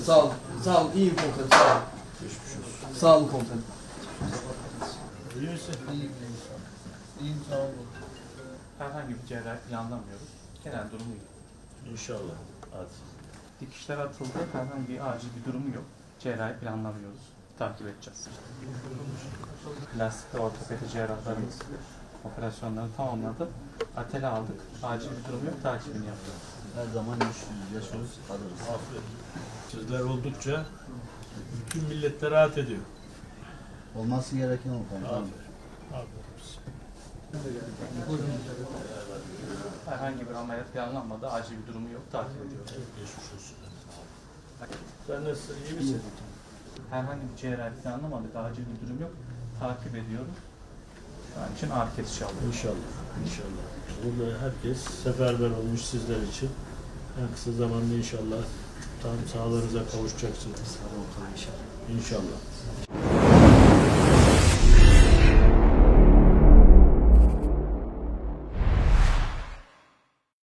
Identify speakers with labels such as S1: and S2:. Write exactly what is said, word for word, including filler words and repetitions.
S1: Sağ olun. Sağ olun. İyiyim komutanım. Sağ olun.
S2: Geçmiş olsun.
S1: Sağ olun komutanım.
S2: İyi misin?
S3: İyiyim. İyiyim sağ olun.
S4: Herhangi bir cerrahi planlamıyoruz. Genel durumu iyi.
S2: İnşallah. Hadi.
S4: Dikişler atıldı. Herhangi bir acil bir durumu yok. Cerrahi planlamıyoruz. Takip edeceğiz. Plastik ve ortopedi cerrahlarımız operasyonları tamamladı. Atele aldık. Acil bir durum yok. Takibini yaptık.
S5: Her zaman yaşıyoruz, kalırız.
S2: Aferin. Sizler oldukça bütün millet de rahat ediyor.
S5: Olması gereken o konuda.
S2: Aferin. Aferin.
S4: Herhangi bir ameliyat planlanmadı. Acil bir durumu yok. Takip ediyoruz.
S2: Geçmiş olsun. Sen nasılsın? İyi misin?
S4: Herhangi bir cerrahi planlamadık. Acil bir durum yok. Takip ediyoruz. Şu an için ağrı kesici alıyoruz.
S2: İnşallah. İnşallah. Burada herkes seferber olmuş sizler için. En kısa zamanda inşallah tam sağlığınıza kavuşacaksınız.
S5: Sağ olun inşallah.
S2: İnşallah.